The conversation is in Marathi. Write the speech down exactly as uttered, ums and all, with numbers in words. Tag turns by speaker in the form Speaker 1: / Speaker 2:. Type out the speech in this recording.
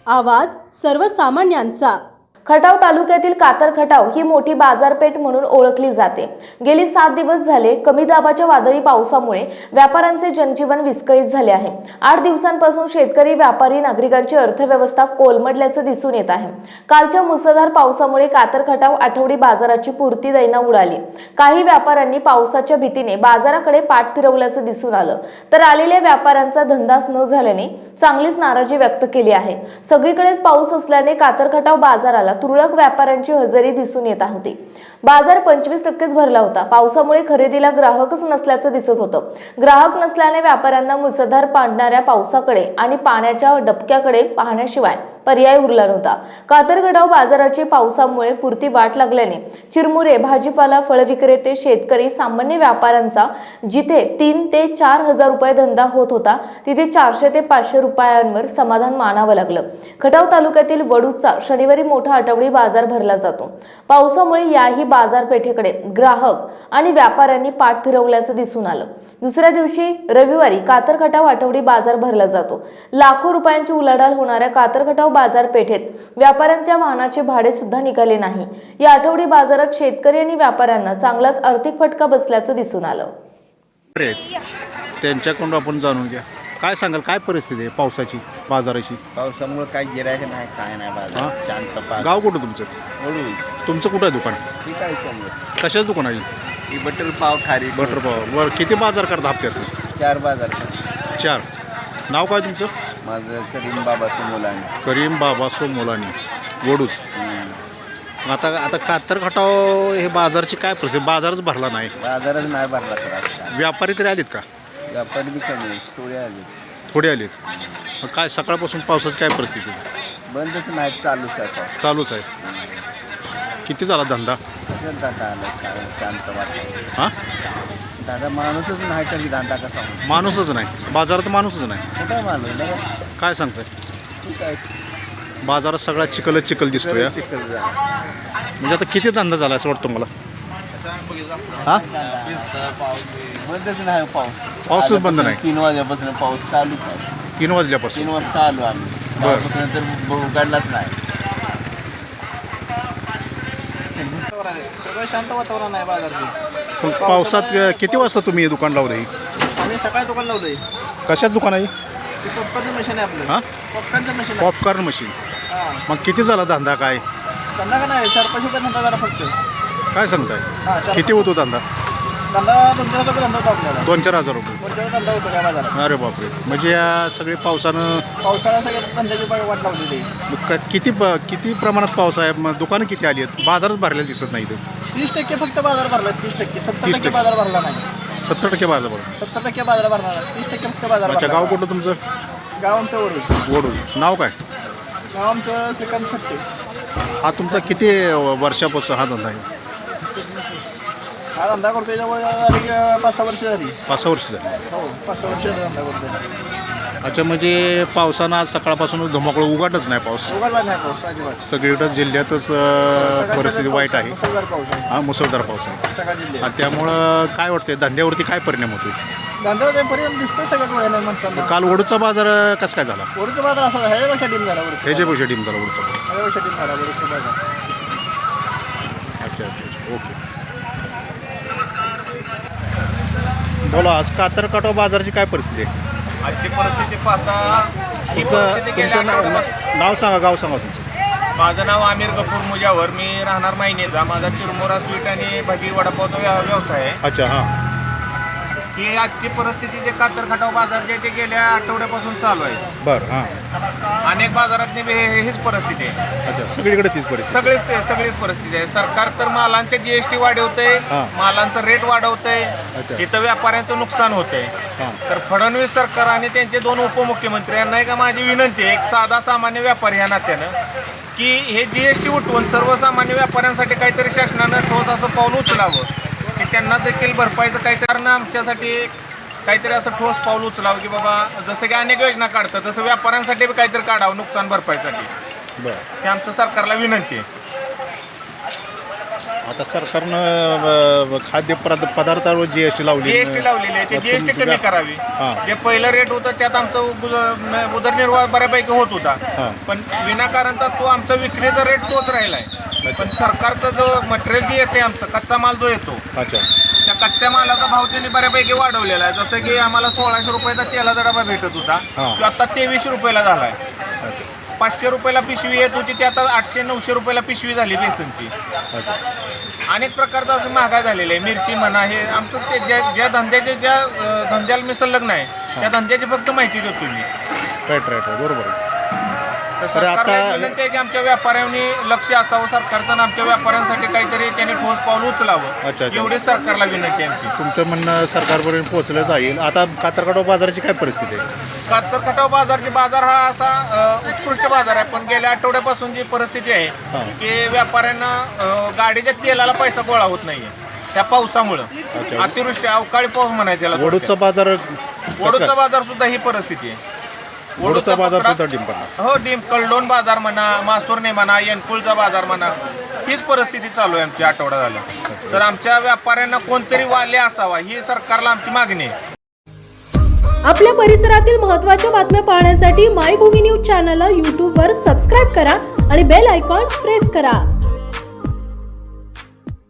Speaker 1: आवाज सर्वसामान्यांचा।
Speaker 2: खटाव तालुक्यातील कातर खटाव ही मोठी बाजारपेठ म्हणून ओळखली जाते। गेली सात दिवस झाले कमी दाबाच्या वादळी पावसामुळे व्यापाऱ्यांचे जनजीवन विस्कळीत झाले आहे। आठ दिवसांपासून शेतकरी, व्यापारी, नागरिकांची अर्थव्यवस्था कोलमडल्याचे दिसून येत आहे। कालच्या मुसळधार पावसामुळे कातर खटाव आठवडी बाजाराची पुरती दैना उडाली। काही व्यापाऱ्यांनी पावसाच्या भीतीने बाजाराकडे पाठ फिरवल्याचे दिसून आलं, तर आलेल्या व्यापाऱ्यांचा धंदाच न झाल्याने चांगलीच नाराजी व्यक्त केली आहे। सगळीकडेच पाऊस असल्याने कातर खटाव बाजाराला तुरळक व्यापाऱ्यांची हजेरी दिसून येत होती। बाजार पंचवीस टक्केच भरला होता। पावसामुळे खरेदीला ग्राहकच नसल्याचं दिसत होतं। ग्राहक नसल्याने व्यापाऱ्यांना मुसळधार पाडणाऱ्या पावसाकडे आणि पाण्याच्या डबक्याकडे पाहण्याशिवाय पर्याय उरला नव्हता। कातर खटाव बाजाराची पावसामुळे पुरती वाट लागल्याने चिरमुरे, भाजीपाला, फळ विक्रेते, शेतकरी, सामान्य व्यापाऱ्यांचा जिथे तीन ते चार हजार रुपये धंदा होत होता, तिथे चारशे ते पाचशे रुपयांवर समाधान मानावं लागलं। खटाव तालुक्यातील वडूजचा शनिवारी मोठा आठवडी बाजार भरला जातो। पावसामुळे याही बाजारपेठेकडे ग्राहक आणि व्यापाऱ्यांनी पाठ फिरवल्याचं दिसून आलं। दुसऱ्या दिवशी रविवारी कातर खटाव आठवडी बाजार भरला जातो। लाखो रुपयांची उलाढाल होणाऱ्या कातर खटाव बाजारपेठेत व्यापाऱ्यांच्या वाहनाचे भाडे सुद्धा निघाले नाही। या आठवडी बाजारात शेतकरी आणि व्यापाऱ्यांना चांगलाच आर्थिक फटका बसल्याचं दिसून आलं।
Speaker 3: त्यांच्याकडून आपण जाणून घ्या, काय सांगाल, काय परिस्थिती आहे पावसाची, बाजाराची?
Speaker 4: पावसामुळे काय गिरायक नाही, काय नाही बाजार शांत पाच।
Speaker 3: गाव कुठं तुमचं?
Speaker 4: वडूज।
Speaker 3: तुमचं कुठं आहे दुकान?
Speaker 4: ठीक आहे समजा।
Speaker 3: कशाच दुकान आहे?
Speaker 4: ही बटर पाव, खारी
Speaker 3: बटर पाव। बरं, किती बाजार करता हप्त्यात?
Speaker 4: चार बाजार।
Speaker 3: चार। नाव काय तुमचं?
Speaker 4: माझं करीम बाबासो मुलांनी।
Speaker 3: करीम बाबासो मुलांनी, वडूज। आता आता कातर खटाव हे बाजारची काय परिस्थिती? बाजारच भरला नाही,
Speaker 4: बाजारच नाही भरला तर आज
Speaker 3: व्यापारी तरी आलेत का?
Speaker 4: व्यापारी बी कमी आहे, थोडे आले,
Speaker 3: थोडे आलेत। मग काय सकाळपासून पावसाची काय परिस्थिती?
Speaker 4: बंदच नाही, चालूच आहे पाऊस।
Speaker 3: चालूच आहे। किती झाला धंदा?
Speaker 4: दादा आला, काय शांत वाटतं।
Speaker 3: हां,
Speaker 4: दादा माणूसच नाही, कधी धंदा कसा होणार?
Speaker 3: माणूसच नाही बाजारात, माणूसच नाही।
Speaker 4: कुठं माणूस नाही,
Speaker 3: काय सांगताय?
Speaker 4: ठीक आहे,
Speaker 3: बाजारात सगळा चिखलच चिखल दिसतोय।
Speaker 4: चिखल झाला।
Speaker 3: म्हणजे आता किती धंदा झाला असं वाटतं मला? हां,
Speaker 4: बंदच नाही पाऊस,
Speaker 3: पाऊसच बंद नाही।
Speaker 4: तीन वाजल्यापासून पाऊस चालूच आहे।
Speaker 3: तीन वाजल्यापासून
Speaker 4: तीन वाजता आलो आम्ही, तेव्हापासून तर उघडलाच नाही।
Speaker 5: सगळं शांत वातावरण आहे बाजारचे।
Speaker 3: पण पावसात किती वाजता तुम्ही हे दुकान लावलंय?
Speaker 5: आम्ही सकाळी दुकान लावलंय।
Speaker 3: कशाच दुकान आहे?
Speaker 5: ते पॉपकॉर्नचं मशीन आहे आपलं।
Speaker 3: हां,
Speaker 5: पॉपकॉर्नचं मशीन आहे।
Speaker 3: Popcorn machine.
Speaker 5: हां,
Speaker 3: मग किती झाला धंदा? काय
Speaker 5: धंदा का नाही, चार पाच रुपये धंदा झाला फक्त।
Speaker 3: काय सांगताय?
Speaker 5: हां, चार
Speaker 3: किती होतो धंदा?
Speaker 5: धंदा दोन चार रुपये धंदा होतो आपल्याला।
Speaker 3: दोन चार हजार रुपये?
Speaker 5: दोन चार धंदा होतो काय बाजारात।
Speaker 3: अरे बापरे, म्हणजे या सगळे पावसानं
Speaker 5: पावसाळ्या सगळ्या धंद्याची बाग वाट लावलेली आहे।
Speaker 3: मग क- किती प- किती प्रमाणात पाऊस आहे? मग दुकानं किती आली आहेत? बाजारच भरलेला दिसत नाही इथं।
Speaker 5: तीस टक्के फक्त बाजार भरला, तीस टक्के सत्तर
Speaker 3: तीस
Speaker 5: टक्के
Speaker 3: टक्के.
Speaker 5: बाजार भरला नाही।
Speaker 3: सत्तर टक्के बाजार भरला।
Speaker 5: सत्तर टक्के बाजार भरला नाही, तीस टक्के फक्त बाजार
Speaker 3: अच्छा,
Speaker 5: भरला।
Speaker 3: गाव कुठलं तुमचं?
Speaker 5: गाव आमचं वडूज।
Speaker 3: वडूज। नाव काय?
Speaker 5: गाव आमचं श्रीकांत खट्टे।
Speaker 3: हा तुमचा किती वर्षापासून हा धंदा आहे?
Speaker 5: हा धंदा करतोय जवळ झाली पाच सहा वर्ष झाली।
Speaker 3: पाच सहा वर्ष झाली।
Speaker 5: हो, पाच सहा वर्ष धंदा करतोय।
Speaker 3: अच्छा, म्हणजे पावसानं आज सकाळपासून धुमाकूळ उघडच नाही पाऊस?
Speaker 5: उघडला नाही पाऊस अजिबात।
Speaker 3: सगळीकडं जिल्ह्यातच अं, परिस्थिती वाईट आहे।
Speaker 5: मुसळधार पाऊस आहे
Speaker 3: हा, मुसळधार पाऊस आहे।
Speaker 5: सगळ्या जिल्ह्यात।
Speaker 3: आणि त्यामुळं काय वाटतंय, धंद्यावरती काय परिणाम होतो?
Speaker 5: धंदा परिणाम दिसतोय सगळ्या डोळ्याला माणसांना।
Speaker 3: काल वडूचा बाजार अं, कसा काय झाला?
Speaker 5: वरचा बाजार असा झाला, ह्याच्यापेक्षा डीम झाला वरचा
Speaker 3: ह्याच्या पैसे टीम झाला वडूचा बाजार?
Speaker 5: बाजार. ह्याच्यापेक्षा डीम झाला वरचा बाजार।
Speaker 3: अच्छा अच्छा अच्छा, ओके। बोला, आज कातर खटाव बाजाराची काय परिस्थिती आहे?
Speaker 6: आजची परिस्थिती पाहता ही
Speaker 3: तुमचं
Speaker 6: परिस्थिती गेल्या
Speaker 3: तुमचं नाव
Speaker 6: आठवड्यात-
Speaker 3: नाव सांगा, गाव सांगा तुमचं।
Speaker 6: माझं नाव आमिर गफूर मुजावर, मी राहणार मायनेचा। माझा चिरमुरा स्वीट आणि भजी वडापावचा व्या- व्यवसाय आहे।
Speaker 3: अच्छा, हां।
Speaker 6: ही आजची परिस्थिती जे कातर खटाव बाजार जे ते गेल्या आठवड्यापासून चालू आहे।
Speaker 3: बरं, हां।
Speaker 6: अनेक बाजारात बी हे- हीच परिस्थिती आहे।
Speaker 3: अच्छा, सगळीकडे तीच परिस्थिती?
Speaker 6: सगळीच ते सगळीच परिस्थिती आहे। सरकार तर मालांचे जीएसटी वाढवतंय,
Speaker 3: हां.
Speaker 6: मालांचं रेट वाढवतंय,
Speaker 3: अच्छा.
Speaker 6: तिथं व्यापाऱ्यांचं नुकसान होतंय।
Speaker 3: हां,
Speaker 6: तर फडणवीस सरकार आणि त्यांचे दोन उपमुख्यमंत्री यांना एक माझी विनंती आहे, एक साधा सामान्य व्यापारी ह्या नात्यानं, की हे जीएसटी उठवून सर्वसामान्य व्यापाऱ्यांसाठी काहीतरी शासनानं ठोस असं पाऊल उचलावं, की त्यांना देखील भरपाईचं काहीतरी कारण आमच्यासाठी काहीतरी असं ठोस पाऊल उचलावं, की बाबा जसं की अनेक योजना काढतात तसं व्यापाऱ्यांसाठी बी काहीतरी काढावं नुकसान भरपाईसाठी।
Speaker 3: बरं।
Speaker 6: हे आमचं सरकारला विनंती आहे।
Speaker 3: आता सरकारनं अ, खाद्य पदार्थ पदार्थावर जी एस टी लावली
Speaker 6: जीएसटी लावलेली आहे ते जीएसटी कमी करावी.
Speaker 3: हां.
Speaker 6: जे पहिलं रेट होतं त्यात आमचं गुज- उदरनिर्वाह बऱ्यापैकी होत होता,
Speaker 3: हां.
Speaker 6: पण विनाकारणचा तो आमचा विक्रीचा रेट तोच राहिला आहे. पण सरकारचा जो मटेरियल जे येते आमचं कच्चा माल जो येतो
Speaker 3: अच्छा
Speaker 6: त्या कच्च्या मालाचा भाव त्यांनी बऱ्यापैकी वाढवलेला आहे. जसं की आम्हाला सोळाशे रुपयाचा तेलाचा डबा भेटत होता,
Speaker 3: हां.
Speaker 6: तो आता तेवीसशे रुपयाला झाला आहे.
Speaker 3: अच्छा
Speaker 6: पाचशे रुपयाला पिशवी येत होती ती आता आठशे नऊशे रुपयाला पिशवी झाली बेसनची.
Speaker 3: अच्छा
Speaker 6: अनेक प्रकारचं असं महागाई झालेलं आहे. मिरची म्हणा, हे आमचं ते ज्या ज्या धंद्याचे ज्या अं, धंद्याला मी संलग्न आहे त्या धंद्याची फक्त माहिती देतो मी.
Speaker 3: राईट राईट बरोबर आहे.
Speaker 6: तर
Speaker 3: तर
Speaker 6: सरकारला
Speaker 3: आता-
Speaker 6: विनंती आहे की आमच्या व्यापाऱ्यांनी लक्ष असावं सरकारचं आणि आमच्या व्यापाऱ्यांसाठी काहीतरी त्यांनी ठोस पाऊल उचलावं.
Speaker 3: अच्छा, अच्छा.
Speaker 6: एवढी सरकारला विनंती आहे आमची.
Speaker 3: तुमचं म्हणणं सरकारपर्यंत पोहोचलं जाईल. आता कातरखटाव बाजाराची काय परिस्थिती आहे?
Speaker 6: कातर खटाव बाजारचे बाजार हा असा अ, उत्कृष्ट बाजार आहे, पण गेल्या आठवड्यापासून जी परिस्थिती
Speaker 3: हां.
Speaker 6: आहे की व्यापाऱ्यांना अ, गाडीच्या तेलाला पैसा गोळा होत नाहीये त्या पावसामुळं.
Speaker 3: अच्छा.
Speaker 6: अतिवृष्टी अवकाळी पाऊस म्हणायचं त्याला.
Speaker 3: वडूचा बाजार कसं
Speaker 6: वडूचा
Speaker 3: काय?
Speaker 6: बाजार सुद्धा ही परिस्थिती आहे.
Speaker 3: वडूचा बाजार
Speaker 6: पकडा-
Speaker 3: सुद्धा डिंप पडला.
Speaker 6: हो डिम कलडोन बाजार म्हणा, मासुर्णे म्हणा, येनकुळचा बाजार म्हणा, हीच परिस्थिती चालू आहे आमची आठवडा झाला. तर आमच्या व्यापाऱ्यांना कोणतरी वाले असावा ही सरकारला आमची मागणी आहे.
Speaker 1: आपल्या परिसरातील महत्त्वाच्या बातम्या पाहण्यासाठी मायभूमी न्यूज चॅनलला यूट्यूबवर सबस्क्राईब करा आणि बेल आयकॉन प्रेस करा.